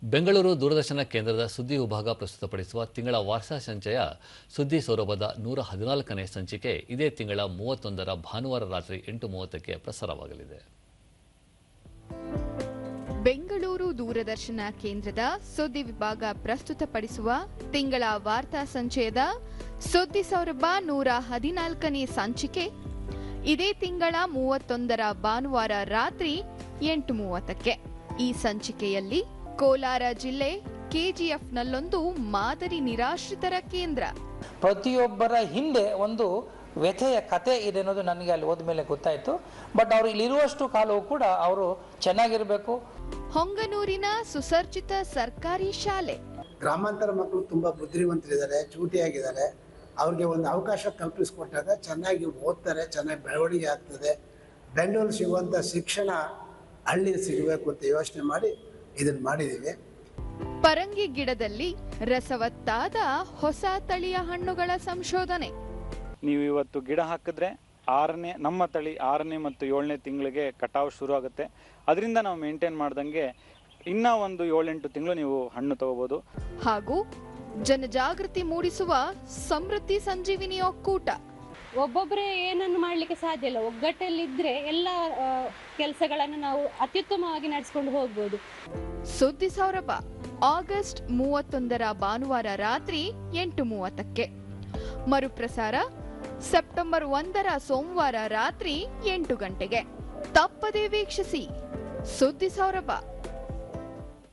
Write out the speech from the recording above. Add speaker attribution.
Speaker 1: ಬೆಂಗಳೂರು ದೂರದರ್ಶನ ಕೇಂದ್ರದ ಸುದ್ದಿ ವಿಭಾಗ ಪ್ರಸ್ತುತಪಡಿಸುವ ತಿಂಗಳ ವಾರ್ತಾ ಸಂಚಯ ಸುದ್ದಿ ಸೌರಭದ 114ನೇ ಸಂಚಿಕೆ ಇದೇ ತಿಂಗಳ 31ರ ಭಾನುವಾರ ರಾತ್ರಿ 8:30ಕ್ಕೆ ಪ್ರಸಾರವಾಗಲಿದೆ.
Speaker 2: ಬೆಂಗಳೂರು ದೂರದರ್ಶನ ಕೇಂದ್ರದ ಸುದ್ದಿ ವಿಭಾಗ ಪ್ರಸ್ತುತಪಡಿಸುವ ತಿಂಗಳ ವಾರ್ತಾ ಸಂಚಯದ ಸುದ್ದಿ ಸೌರಭ 114ನೇ ಸಂಚಿಕೆ ಇದೇ ತಿಂಗಳ 31ರ ಭಾನುವಾರ ರಾತ್ರಿ 8:30ಕ್ಕೆ. ಈ ಸಂಚಿಕೆಯಲ್ಲಿ ಕೋಲಾರ ಜಿಲ್ಲೆ ಕೆಜಿಎಫ್ನಲ್ಲೊಂದು ಮಾದರಿ ನಿರಾಶ್ರಿತರ ಕೇಂದ್ರ.
Speaker 3: ಪ್ರತಿಯೊಬ್ಬರ ಹಿಂದೆ ಒಂದು ವ್ಯಥೆಯ ಕತೆ ಇದೆ ಅನ್ನೋದು ನನಗೆ ಅಲ್ಲಿ ಹೋದ ಮೇಲೆ ಗೊತ್ತಾಯಿತು. ಬಟ್ ಅವರು ಇಲ್ಲಿರುವಷ್ಟು ಕಾಲವೂ ಕೂಡ ಅವರು ಚೆನ್ನಾಗಿರಬೇಕು.
Speaker 2: ಹೊಂಗನೂರಿನ ಸುಸರ್ಜಿತ ಸರ್ಕಾರಿ ಶಾಲೆ.
Speaker 4: ಗ್ರಾಮಾಂತರ ಮಕ್ಕಳು ತುಂಬಾ ಬುದ್ಧಿವಂತರಿದ್ದಾರೆ, ಚೂಟಿಯಾಗಿದ್ದಾರೆ. ಅವ್ರಿಗೆ ಒಂದು ಅವಕಾಶ ಕಲ್ಪಿಸಿಕೊಟ್ಟಾಗ ಚೆನ್ನಾಗಿ ಓದ್ತಾರೆ, ಚೆನ್ನಾಗಿ ಬೆಳವಣಿಗೆ ಆಗ್ತದೆ. ಬೆಂಗಳೂರು ಸಿಗುವಂಥ ಶಿಕ್ಷಣ ಹಳ್ಳಿ ಸಿಗಬೇಕು ಅಂತ ಯೋಚನೆ ಮಾಡಿ ಇದನ್ನು ಮಾಡಿದ್ದೀವಿ.
Speaker 2: ಪರಂಗಿ ಗಿಡದಲ್ಲಿ ರಸವತ್ತಾದ ಹೊಸ ತಳಿಯ ಹಣ್ಣುಗಳ ಸಂಶೋಧನೆ.
Speaker 5: ನೀವು ಇವತ್ತು ಗಿಡ ಹಾಕಿದ್ರೆ ನಮ್ಮ ತಳಿ 6ನೇ ಮತ್ತು 7ನೇ ತಿಂಗಳಿಗೆ ಕಟಾವು ಶುರು ಆಗುತ್ತೆ. ಅದರಿಂದ ನಾವು ಮೇಂಟೈನ್ ಮಾಡ್ದಂಗೆ ಇನ್ನೂ ಒಂದು 7-8 ತಿಂಗಳು ನೀವು ಹಣ್ಣು ತಗೋಬಹುದು.
Speaker 2: ಹಾಗೂ ಜನಜಾಗೃತಿ ಮೂಡಿಸುವ ಸಮೃದ್ಧಿ ಸಂಜೀವಿನಿ ಒಕ್ಕೂಟ.
Speaker 6: ಒಬ್ಬೊಬ್ಬರೇ ಏನನ್ನು ಮಾಡಲಿಕ್ಕೆ ಸಾಧ್ಯ ಇಲ್ಲ, ಒಗ್ಗಟ್ಟಲ್ಲಿದ್ದರೆ ಎಲ್ಲ ಕೆಲಸಗಳನ್ನು ನಾವು ಅತ್ಯುತ್ತಮವಾಗಿ ನಡೆಸಿಕೊಂಡು ಹೋಗ್ಬೋದು.
Speaker 2: ಸುದ್ದಿ ಸೌರಭ ಆಗಸ್ಟ್ 31ರ ಭಾನುವಾರ ರಾತ್ರಿ 8:30ಕ್ಕೆ. ಮರುಪ್ರಸಾರ ಸೆಪ್ಟೆಂಬರ್ 1ರ ಸೋಮವಾರ ರಾತ್ರಿ 8 ಗಂಟೆಗೆ. ತಪ್ಪದೇ ವೀಕ್ಷಿಸಿ ಸುದ್ದಿ ಸೌರಭ.